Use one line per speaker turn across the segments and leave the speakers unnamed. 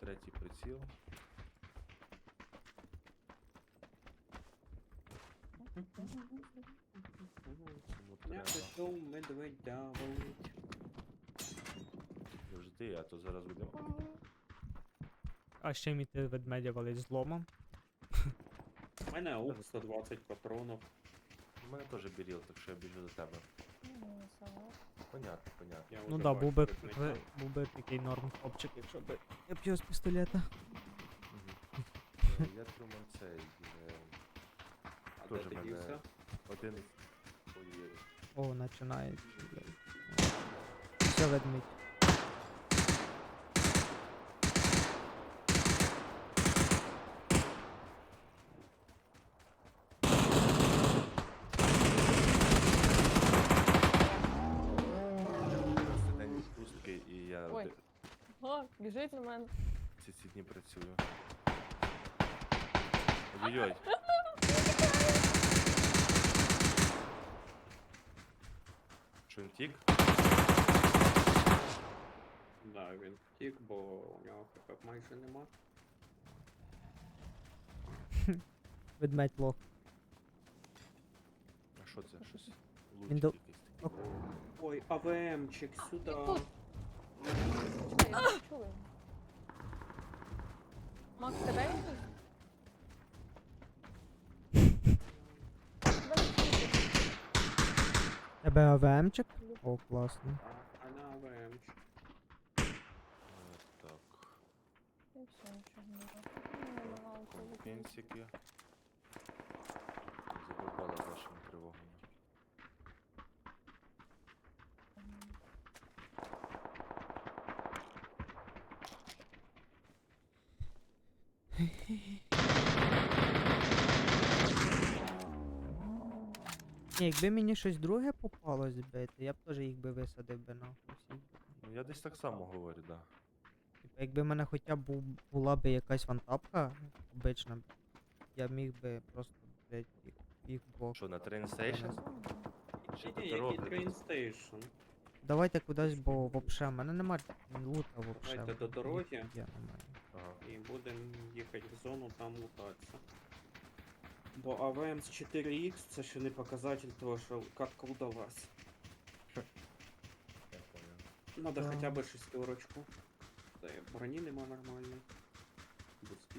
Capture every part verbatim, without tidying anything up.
третій приціл. Тому
Я
треба.
пішов медведя валить.
Завжди, а то зараз будемо.
А ще міти ведмедя валить зломом.
У мене аук сто двадцять патронів.
У мене теж біріл, так що я біжу до тебе. Понятно, понятно.
Я
Ну
вже
да, був би,
бачу ведмедя.
ви- був би такий норм хлопчик, якщо б я б його з пістолета.
Мгм. Е, Я Труман цей. е,
А де
Теж
ти
мене
дівся?
один. Ой,
О, починається. Все ведмідь.
просто день відпустки і я
Ой.
де-
О, біжить на мене.
ці ці дні працюю. Ой-ой-ой. Що він тік?
Да, він втік, бо у нього хп майже нема.
Ведмедь лох.
А що це? Щось
Він
лучик
до-
якийсь такий.
Ой, АВМчик сюди.
Тут. Чекай, я не чую. Макс, тебе він тут? Тебе не чути.
Тебе АВМчик? О, класно.
А, а на АВМчик.
Е, Так.
І все, нічого не робить. Ну, я намагалася викинути.
Пенсики. Задовбала з вашими тривогами.
Ні, якби мені щось друге попалось збити, я б теж їх би висадив би нахуй всіх.
Ну я десь так само говорю, да.
Типа, якби в мене хоча б бу- була б якась вантапка обична, я міг би просто, блядь, їх, їх двох.
Що, на train station? Чи
Ні,
до
який
дороги?
train station?
Давайте кудись, бо вообще, в мене нема лута вообще.
Давайте до дороги.
Я немає.
Ага.
І будемо їхати в зону, там лутатися. Бо АВМ з чотири ікс це ще не показатель того, що катка удалась.
Я понял.
Надо
Да.
хоча б шестерочку. Та й броні нема нормальної. Бустів.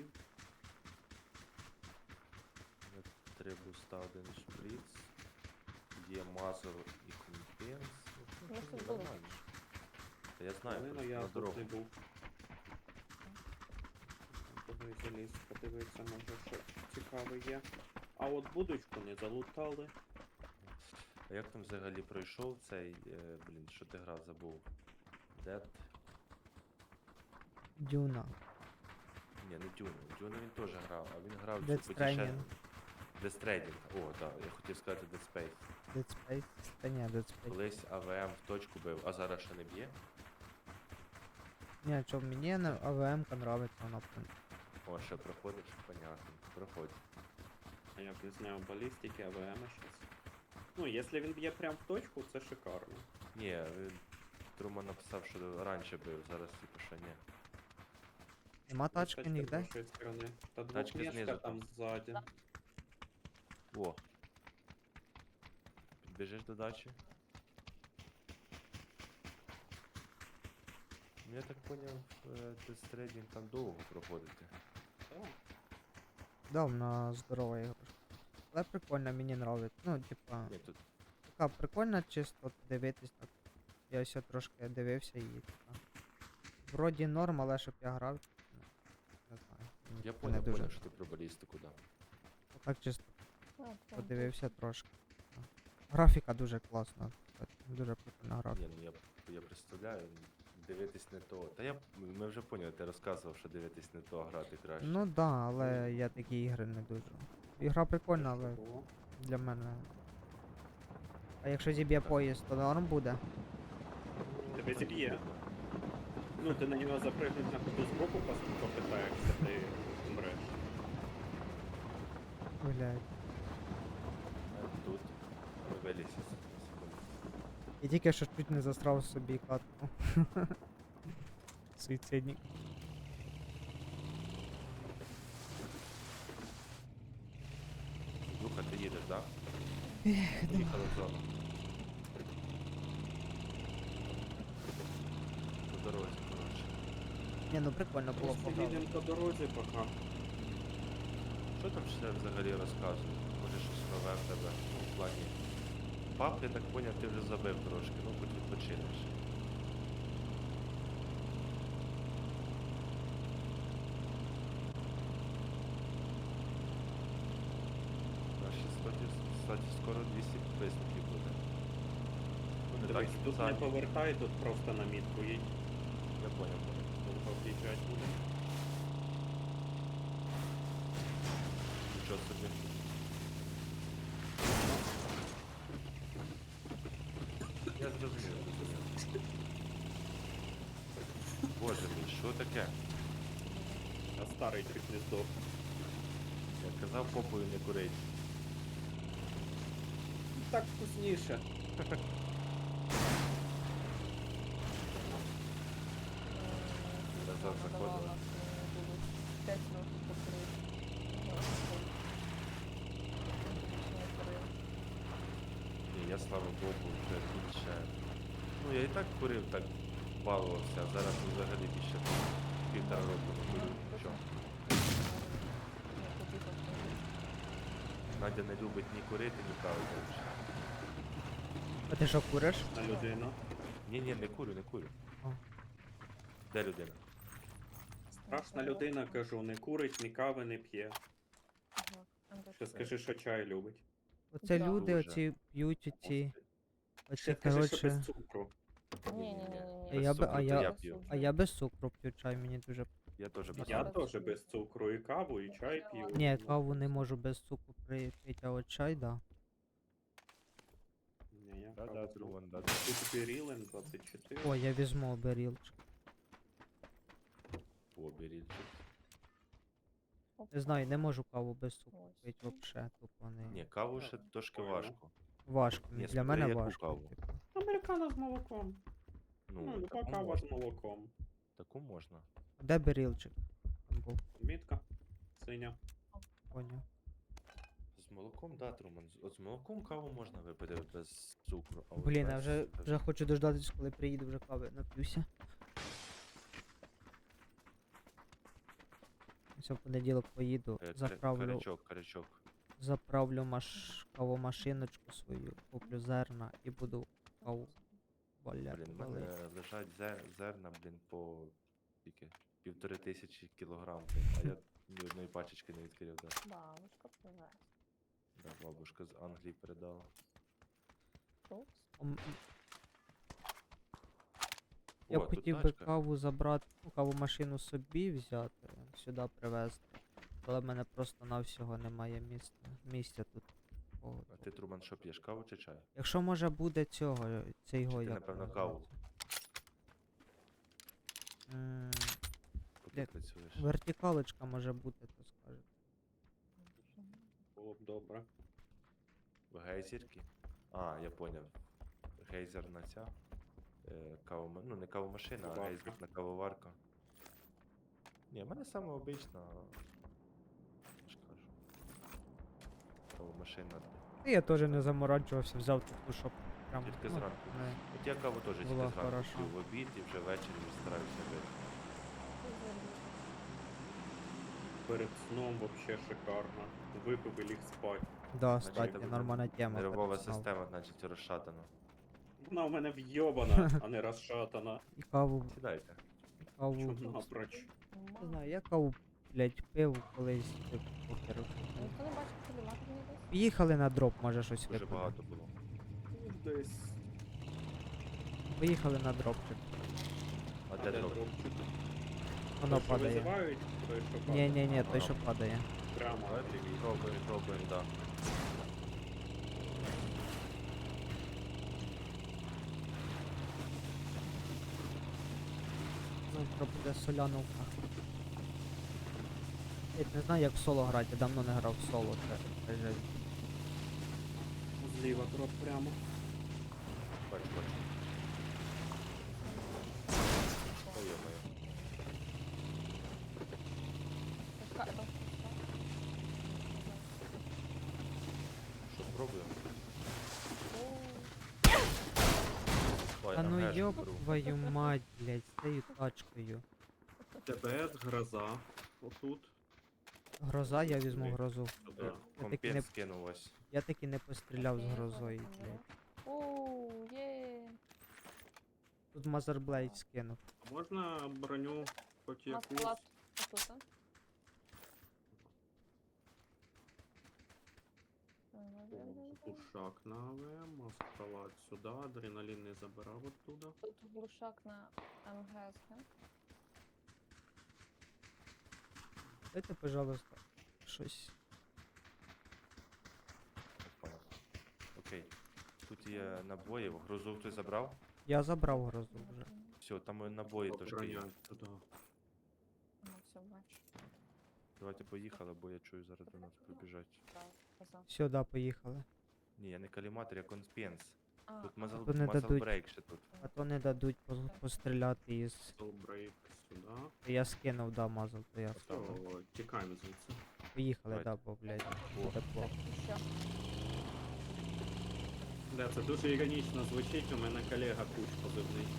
Я Три буста, один шприц. Є мазур і компенс. Ну,
Ну,
що
це
ж,
було.
нормально. Та я знаю,
Але ну
просто
я
на
тут
дорогу.
не був. Туди заліз, подивитися, може що цікаве є. А от будочку не залутали.
А як там взагалі пройшов цей, е, блін, що ти грав, забув? Dead?
Дюна.
Ні, не Дюну. Дюну він теж грав, а він грав
Death
цю потішен...
Stranding.
Death Stranding. О, так, я хотів сказати Dead Space.
Dead Space? Та ні, Dead Space.
Колись АВМ в точку бив, а зараз ще не б'є.
Ні, чо, мені на АВМ-ка нравиться вона. прям.
О, ще проходиш, понятно. Проходь.
А я б не знаю, балістики, АВМ щас. Ну, якщо він б'є прям в точку, це шикарно.
Ні, він Труман написав, що раніше бив, зараз типу ще ні.
Нема тачки
Тачка з
ніде?
нашої сторони. Та
Тачки
двохмішка
знизу
там
там.
ззаді.
О. Підбіжиш до дачі? Ну, я так поняв, Death Stranding там довго проходити.
Так.
Да, вона здорова іграшка. Але прикольно, мені нравиться. Ну, типа,
Ні, тут
така прикольна, чисто дивитись так. Я ось трошки дивився і типа. Вроді норм, але щоб я грав. ну, Не знаю. мені
я
це
поняв,
не дуже.
поняв, що ти про балістику, да.
Так чисто
А, там,
подивився трошки. Графіка дуже класна. кстати, Дуже прикольна графіка.
Ні, ну я, я представляю, дивитись не то. Та я, ми вже поняли, ти розказував, що дивитись не то, а грати краще.
Ну да, але я такі ігри не дуже. Ігра прикольна, але
Було.
для мене. А якщо зіб'є поїзд, то норм буде.
Тебе зіб'є. Ну, ти на нього запрыгнуть на ходу збоку пос- попитаєшся, ти умреш.
Гуляють.
А тут ми вилізь на секунду.
Я тільки що чуть не застрав собі катку. Суїцидник.
да? Поїхали в зону. По дорозі, коротше.
Ні, ну прикольно було
Просто
пограти.
їдемо по дорозі поки.
Що там ще взагалі розказують? Може щось нове в тебе? Ну, в плані. Пап, я так поняв, ти вже забив трошки, ну хоч відпочинеш. Наші кстати, кстати, скоро двісті підписників буде. Ну, не так
Дивись, тут не
спеціально.
повертай, тут просто на мітку їдь.
Я поняв, поняв.
Довго об'їжджати буде.
Нічого собі. Я зрозумів, зрозумів. Боже мій, що таке?
А старий чуть не здох.
Я казав попою не курить.
Так вкусніше.
Назад заходили.
п'ять років покрив.
Ні, я слава Богу, вже більше. Ну я і так курив, так балувався, а зараз взагалі більше півтора року не курю. Що? Надя не любить ні курити, ні кави більше.
А ти що куриш?
На людину.
Ні, ні, не курю, не курю.
О.
Де людина?
Страшна людина, кажу, не курить, ні кави не п'є. Ще скажи, що чай любить.
Оце
Да.
люди
Дуже.
оці п'ють оці. Оці,
Ще скажи, що без
коротше.
цукру.
Ні, ні, ні, ні.
А я би- а я-
п'ю.
А я без цукру п'ю чай, мені дуже.
Я теж без
Я
цукру.
теж без цукру, і каву, і чай п'ю.
Ні, каву не можу без цукру при- пити, а от чай, да.
Ні, я
Да,
каву
да,
п'ю.
Труван, да.
Тут Берілен двадцять чотири.
О, я візьму оберілчик.
О, беріть.
Не знаю, не можу каву без цукру
Ось.
пити вообще, тупо не.
Ні, каву ще трошки
Понял.
важко.
Важко.
Ні,
Для мене
смотри, яку
важко.
каву.
типу.
Американо з молоком. Ну,
Ну,
люба
таку
кава
можна.
з молоком.
Таку можна.
Де берілчик? Там був,
Мітка. Синя.
поняв.
З молоком, да, Труман. з- От з молоком каву можна випити без цукру. А от
Блін, я
без-
вже,
без-
вже хочу дождатись, коли приїду, вже кави нап'юся. Ось в понеділок поїду,
Е, кар-
заправлю,
Карячок, карячок.
заправлю маш... кавомашиночку свою, куплю зерна і буду каву валяти.
Блін, в
валити.
мене лежать зер, зерна, блін, по тільки півтори тисячі кілограм, блін, а я ні одної пачечки не відкрив, да.
Бабушка привез.
Да, бабушка з Англії передала.
Фрукт.
Ом, Я
О,
б
тут
хотів би
тачка.
каву забрати, ну, кавомашину собі взяти, сюди привезти. Але в мене просто навсього немає місця. Місця тут. О,
А ти, Труман, що п'єш, каву чи чай?
якщо може буде цього, цей його
ти,
як
напевно,
його
каву?
звати? М,
Поки
Як?
працюєш.
Вертикалочка може бути, то скаже.
Було б добре.
В гейзерки? А, я поняв. Гейзерна ця. Е, кавома... Ну, не кавомашина, а
Кавоварка.
гейзерна кавоварка. Ні, в мене саме обична. Я ж кажу. Кавомашина.
Та я теж не заморачувався, взяв таку, щоб прям.
Тільки
ну,
зранку.
не-
От я каву теж тільки
Була
зранку
хороша.
п'ю в обід і вже ввечері вже стараюся пити.
Перед сном вообще шикарно. Випив і ліг спать.
Да,
Значить,
кстати,
тебе
нормальна тема.
Нервова
перед сном.
система, значить, розшатана.
Вона у мене вйобана, а не розшатана.
І каву,
Сідайте.
і каву.
Чому напроч?
Не знаю, я каву, блять, пив колись, типу, похеру.
Ніхто не бачив телеватор десь?
Поїхали на дроп, може щось
Дуже
випадемо.
багато було.
Десь.
Поїхали на дропчик.
А де дроп?
дропчик?
Воно
Той, що
падає.
визивають, той, що
Ні,
падає.
ні, ні,
А,
той,
воно.
що падає.
Прямо.
Давайте пробуємо, пробуємо, да.
Завтра буде соляновка. Я не знаю, як в соло грати, я давно не грав в соло, це, це жесть.
Зліва дроп прямо.
Бач, бач. Ой, йо-моє.
Така-
Що
Та ну
МГшку
йоб
беру.
твою мать, блядь, з цією тачкою.
ТБС, гроза. Отут.
Гроза, я візьму
Сюди.
грозу.
Сюди.
Я таки не,
Компенс скинув ось.
я таки не постріляв з
Окей,
грозою,
зараз
блядь.
заберу. Оу, є.
Тут Мазерблейд скинув.
А можна броню хоч якусь?
Масклад отут, а?
Глушак на АВМ, маскалад сюди, адреналін не забирав оттуда.
Тут глушак на МГС, да?
Дайте, пожалуйста, щось.
Опа. Окей. Тут є набої, грузу хтось забрав.
Я забрав грозу вже.
Все, там і набої трошки є.
Броня сюди.
Ну, все, бачу.
Давайте поїхали, бо я чую зараз до нас прибіжать.
Так, казав.
Сюди поїхали.
Ні, я не каліматор, я конспенс.
А,
Тут
а,
мазал,
то не
мазал
дадуть.
брейк ще тут.
А то не дадуть пос- постріляти із.
Солбрейк сюди.
Я скинув, да, мазал, то я
Все,
скинув.
тікаємо звідси.
Поїхали,
Давайте.
да, бо, блядь,
О.
буде
так,
плохо.
що?
Да, це дуже іронічно звучить, у мене колега куч позивний.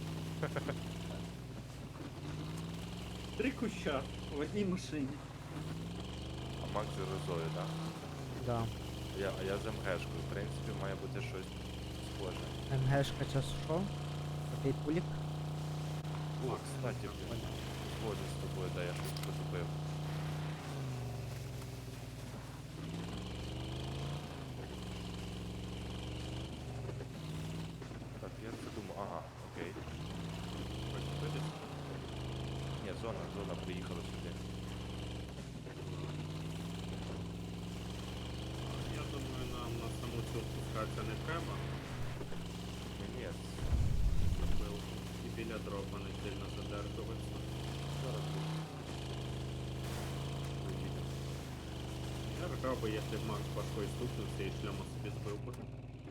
Три куща в одній машині.
А Макс з грозою, так?
Да.
Я, а я з МГшкою. В принципі, має бути щось схоже.
МГшка час що? Такий пулік?
О, кстати, блін. Згоден з тобою, да, я щось потупив. Так, я це думаю, ага, окей. Ні, зона, зона приїхала сюди.
Я думаю, нам на саму цю спускатися не треба.
Ні, ні,
Напевно. І біля дропа не сильно задержуватися.
зараз тут. Поїдемо.
Я ржав би, якщо б Макс башкою стукнувся і шлема собі збив би.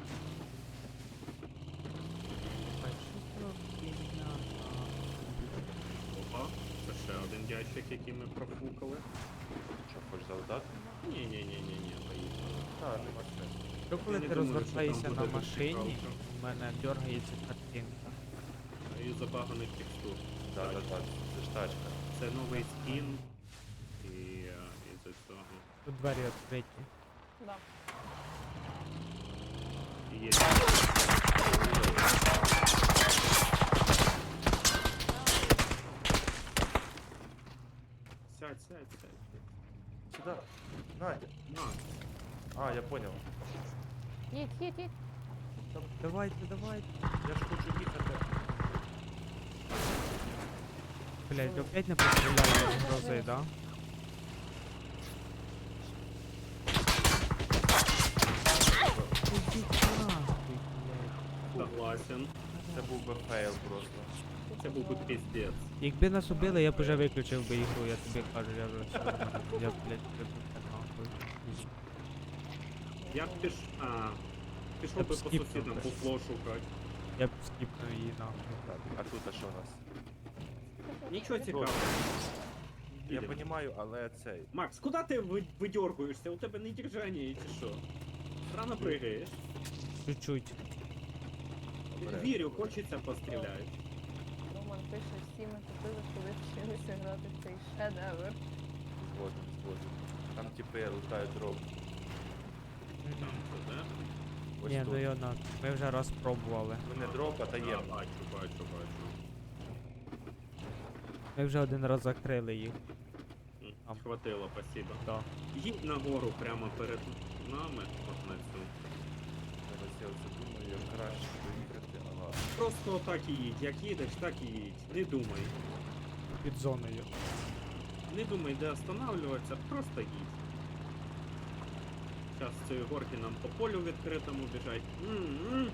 Опа, це ще один ящик, який ми профукали.
Що, хочеш завдати?
Ні-ні-ні-ні-ні, поїхали.
Так, нема сенсу.
Що коли
Я не
ти
думаю, що
розвертаєшся
там
на
буде
машині,
цікавка.
в мене дергається картинка.
І забаганих текстур.
Да, да, так, це ж тачка.
Це новий скін. І е, із-за цього.
Тут двері відкриті.
Да.
І є. Сядь, сядь, сядь.
Сюди. Надя.
На.
А, я понял.
Їдь, їдь, їдь.
Та
Давайте, давайте.
я ж хочу їхати.
Блять, опять не постріляли з грози, да? Ідіть нахуй, блядь.
Согласен.
Це був би фейл просто.
Це був би піздець.
Якби нас убили, я б уже виключив би ігру, я тобі кажу, я вже все. Я, блядь, виключив нахуй.
Я б піш... А, пішов
Я б
би по
скіпнув
сусідам
би.
буфло шукати.
Я б скіпнув її нахуй.
Так, а тут а що у нас?
Нічого цікавого.
Я
Їдемо.
розумію, але цей.
Макс, куди ти ви- видьоргуєшся? У тебе не держання є чи що? Рано пригаєш.
Чуть-чуть.
Добре.
Вірю, хочеться постріляти.
Роман пише, всі ми купили, коли вчилися грати в цей шедевр.
Згоден, згоден. Там типи лутають дроб.
Там туди.
Ось
Ні,
тут.
ну йо на. Ми вже раз пробували.
Ну не дроб, а
А,
таємно.
бачу, бачу, бачу.
Ми вже один раз закрили їх.
М,
Там.
Хватило, спасибо.
Да.
Їдь нагору прямо перед нами, от на цю.
Зараз я оце думаю, як краще доїхати. Ага.
Просто отак і їдь. Як їдеш, так і їдь. Не думай.
Під зоною.
Не думай, де останавливатися, просто їдь. Зараз з цієї горки нам по полю відкритому біжать. М-м.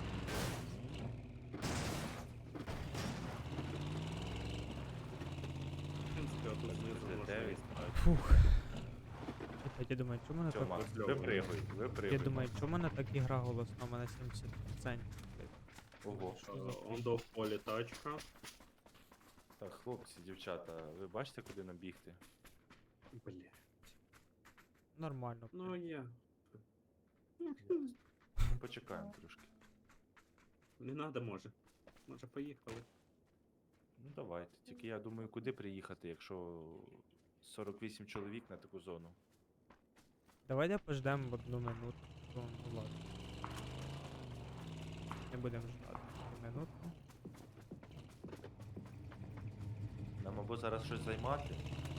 В принципі, отут знизу можна
дев'ять.
відстати.
Фух. Чекай, я думаю, чому мене
Все,
так...
Макс,
Кльово.
випригуй, випригуй.
Я думаю, чому мене так ігра голосна? У мене сімдесят відсотків.
Ого.
Е, Он до в полі тачка.
Так, хлопці, дівчата, ви бачите, куди нам бігти?
Бля.
Нормально.
Ну я.
Ну, почекаємо трошки.
Не надо, може. Може поїхали.
Ну давайте. Тільки я думаю, куди приїхати, якщо сорок вісім чоловік на таку зону.
Давайте пождемо одну минуту. Ну, ну ладно. Не будемо ждати минуту.
Нам або зараз щось займати.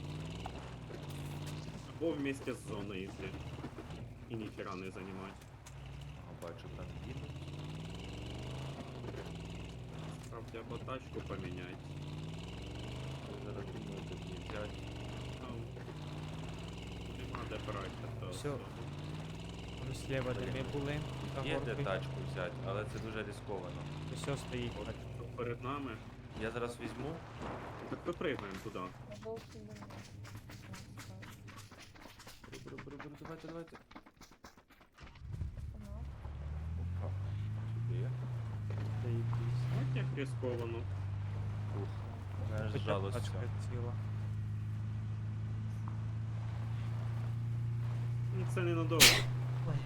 Або вместе з зоною йти. І ніхера не займати.
Ага, бачу, там їдуть.
Справді, або тачку поміняти.
Я зараз думаю, тут не взяти.
Там нема де брати. то
Всё.
зону.
Там слева, де ми були, за
Є де
горкою.
тачку взяти, але це дуже ризиковано.
Все стоїть.
От
тачка.
тут перед нами.
Я зараз візьму.
Так випригаємо туди.
На жовтий домой.
Беру, беру, беру, беру, давайте, давайте.
Ага.
Опа. Сюди.
Заєбісь.
От як ризиковано.
Ух. Мене аж
Хоча б
зжалося.
тачка ціла.
Ну це ненадовго.
Ой.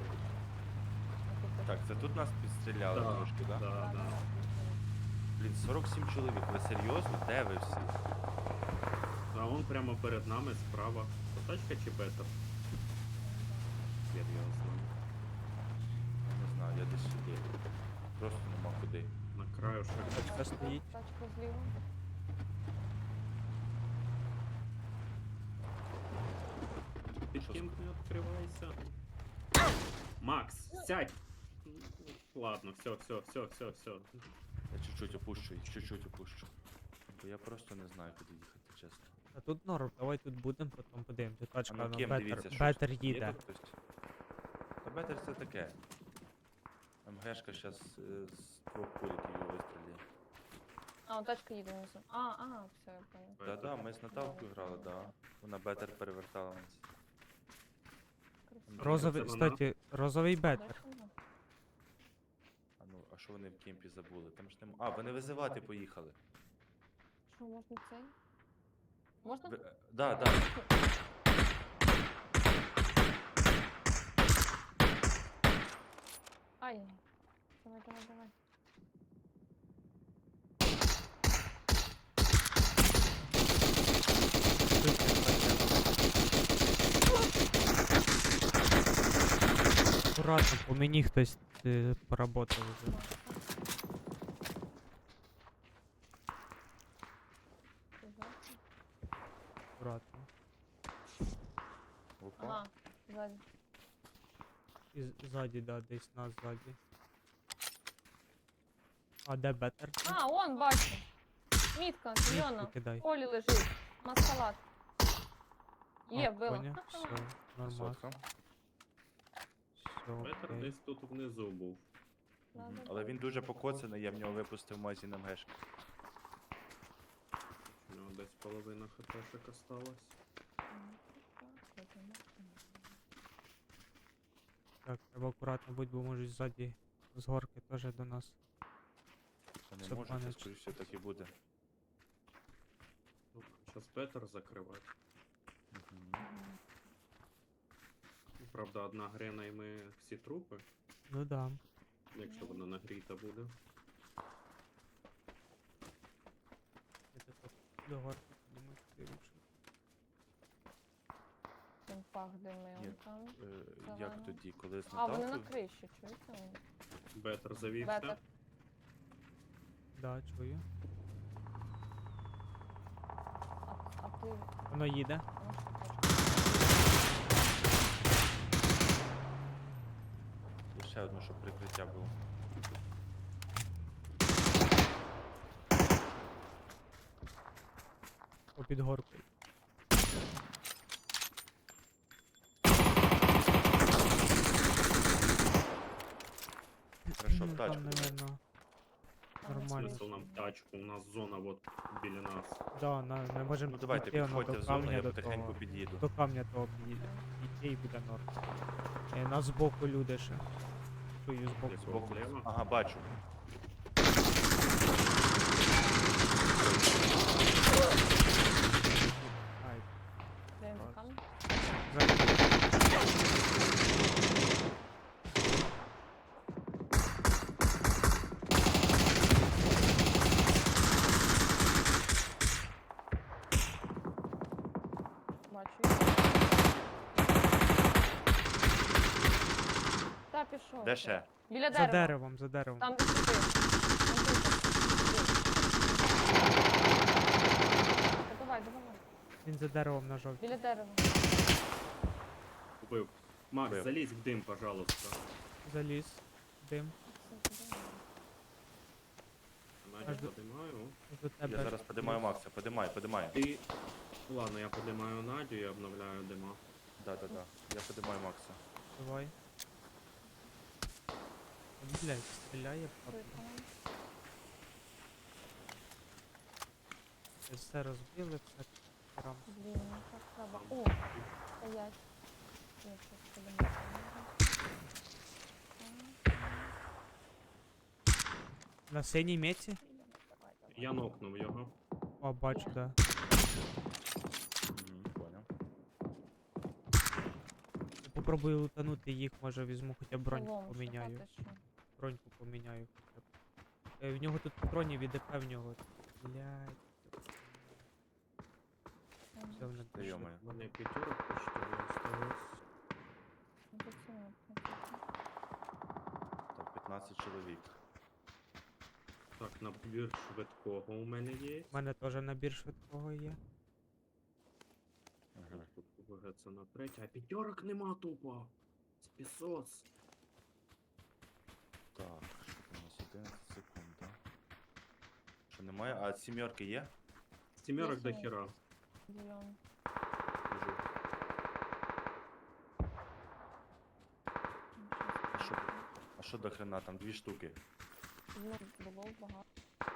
Так, це тут нас підстріляли
Да,
трошки, так? Да?
Да, да.
Блін, сорок сім чоловік, ви серйозно? Де ви всі?
А он прямо перед нами справа. То тачка чи бетер? Серйозно.
Я не знаю, я десь сюди. Просто нема куди.
На краю шляху.
Тачка стоїть.
Тачка зліва.
Під
Що
ким не відкривайся. Макс, сядь! Ладно, все, все, все, все, все.
Я чуть-чуть опущу, чуть-чуть опущу. Бо я просто не знаю, куди їхати, чесно.
А тут норм, давай тут будемо, потім подивимося. Тачка
А ну,
на
ким
бетер,
дивіться, що
бетер
Є
їде.
тут хтось? Та бетер це таке. МГшка зараз з двох куліків його вистріляє.
А, он тачка їде внизу. А, а, все, я понял.
Да-да, ми з Наталкою грали, да. Вона бетер перевертала нас.
Красиво.
Розовий,
Це вона?
кстати, розовий бетер.
Дальше вона.
А ну, а що вони в кемпі забули? Там ж нема. А, вони визивати поїхали.
Що, можна цей? Можна?
Ви... е, Да, да.
Ай. Давай, давай, давай.
Аккуратно, по мені хтось е, поработав вже.
Ти зверху?
Аккуратно.
Опа.
Ага, ззаді.
І з- ззаді, да, десь нас ззаді. А де бетер?
А, он, бачу. Мітка, зелена.
Мітку кидай.
В полі лежить. Маскалад. Є,
А,
вбила.
поняв, все, нормально.
Сотка.
Все,
Бетер
окей.
десь тут внизу був.
Мгм. Але він дуже покоцаний, я в нього випустив магазин МГшки.
У нього десь половина хпшек осталась.
Так, треба акуратно бути, бо можуть ззаді з горки теж до нас.
Це не
Це
може, це
панич.
скоріше все так і буде.
Ну, зараз бетер закривати.
Мгм.
Ну, правда, одна грена і ми всі трупи,
Ну да.
якщо вона нагріта буде.
Я так до горки думаю, куди лучше.
Він пах димив
Ні.
там.
Е,
Зелено.
Як тоді, коли з
А, вони на
Наталкою?
криші, чуєте? вони?
Бетер завівся.
Бетер.
Да, чую.
А, а ти...
Воно їде.
Ну, що тачка?
І ще одне, щоб прикриття було.
Попід горкою.
Хорошо,
Ну,
в тачку.
там, наверно,
Ага.
нормально.
Смисл нам тачку, у нас зона от біля нас.
Да, на, ми можемо
Ну давайте,
підійти, воно
підходьте в
до
зону,
камня
я
до
потихеньку
того.
під'їду.
До камня того підійде. Підійти і буде норм. Е, нас збоку люди ще. Чую збоку.
Десь
Збоку.
зліва.
Ага, бачу.
Ай,
Де він
Так.
камінь?
ззаді.
Що
Де
це?
ще?
Біля
За
дерева.
деревом, за деревом.
Там де ти. Там тут. Давай, давай.
Він за деревом на жовтій.
Біля дерева.
Убив. Макс,
Убив.
залізь в дим, пожалуйста.
Заліз. Дим.
Надя,
Аж до-
подимаю.
До тебе.
Я зараз подимаю Макса, подимай, подимай.
Ти... Ладно, я подимаю Надю і обновляю дима.
Да, да, да. Я подимаю Макса.
Давай. Блять, стріляє папа. Все розбили, все рам.
Блін, ну так треба. О, стоять. Я щас подумаю.
На синій меті?
Давай, давай.
Я нокнув його.
О, бачу, да.
Угу, понял.
Попробую лутанути їх, може візьму, хоча б броньку
Лом,
поміняю.
шукати що?
Броньку поміняю хоча б. Е, в нього тут патронів від ДП в нього. Блять.
Ага.
Все в
Та йомаю.
У мене п'ятерок почти осталось.
Ну, тут це не- не тут.
Так, п'ятнадцять чоловік.
Так, набір швидкого у мене є.
У мене теж набір швидкого є.
Ага.
Тут ВГ це на третє, а п'ятерок нема тупо. Спісос.
Так, що там у нас одинадцять секунд, да? Що немає? А сімерки є?
Сімерок до
Є, є.
хера.
Зелёний.
Біжу.
Ну,
А
щас
що,
покажу.
а що до хрена? Там дві штуки.
Ну, було багато.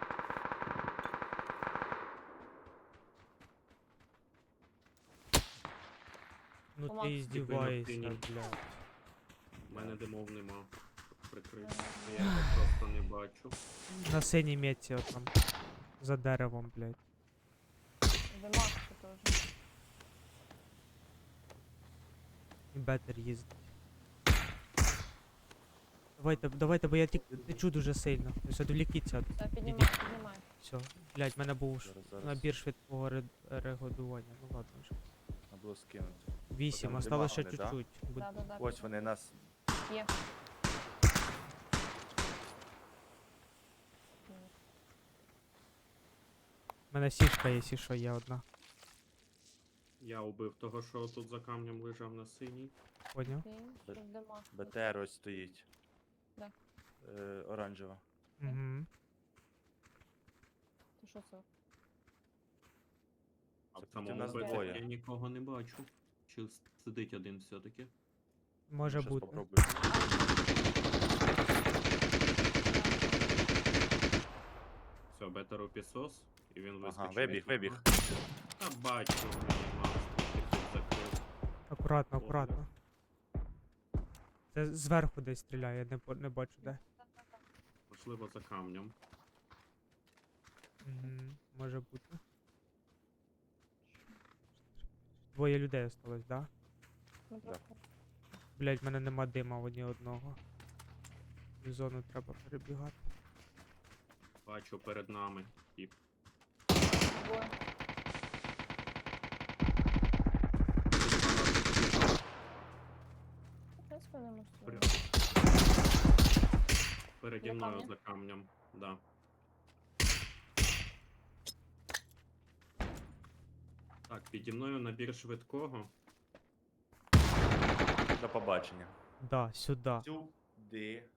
Ну
О,
ти
Макс.
здіваєшся,
Дивно,
блядь.
У мене димов нема. Прикрити.
Ага.
Я його просто не бачу.
На синій меті отам. За деревом, блядь.
Димак ще теж.
І бетер їздить. Давайте, давайте, бо я тік- течу дуже сильно. Ось відвлікіться.
Та піднімай,
Ідіть.
піднімай.
Все. Блядь, в мене був ш-
Зараз, зараз.
набір швидкого ре- регодування. Ну ладно вже.
Треба було скинути.
Вісім,
Потім
осталось ще
димагали, да?
чуть-чуть. Буд-
Да, да, да.
Ось вони нас.
Є.
У мене сішка є, якщо що, є одна.
Я убив того, що тут за камнем лежав на синій.
Поняв?
Окей, що димак.
БТР ось стоїть.
Де?
Е, оранжева.
Угу.
То що це?
А в
Це
самому
нас
беті
двоє.
я нікого не бачу. Чи с- сидить один все-таки?
Може
Щас
бути.
попробую.
Все, бетеру пісос, і він вискочив.
Ага, вибіг,
від мене.
вибіг.
Та бачу, мені Макс трохи тут закрив.
Акуратно,
Добре.
акуратно. Це зверху десь стріляє, не, по- не бачу де.
Можливо, за камнем.
Угу. Може бути. Двоє людей осталось, да?
Ну,
Да.
просто.
Блять, в мене нема дима ні одного. В зону треба перебігати.
Бачу перед нами. І
Двоє. В принципі, не можу.
Прям. переді
На
мною
камні?
за камнем. Да. Так, піді мною набір швидкого.
До побачення.
Да, сюди.
Сюди.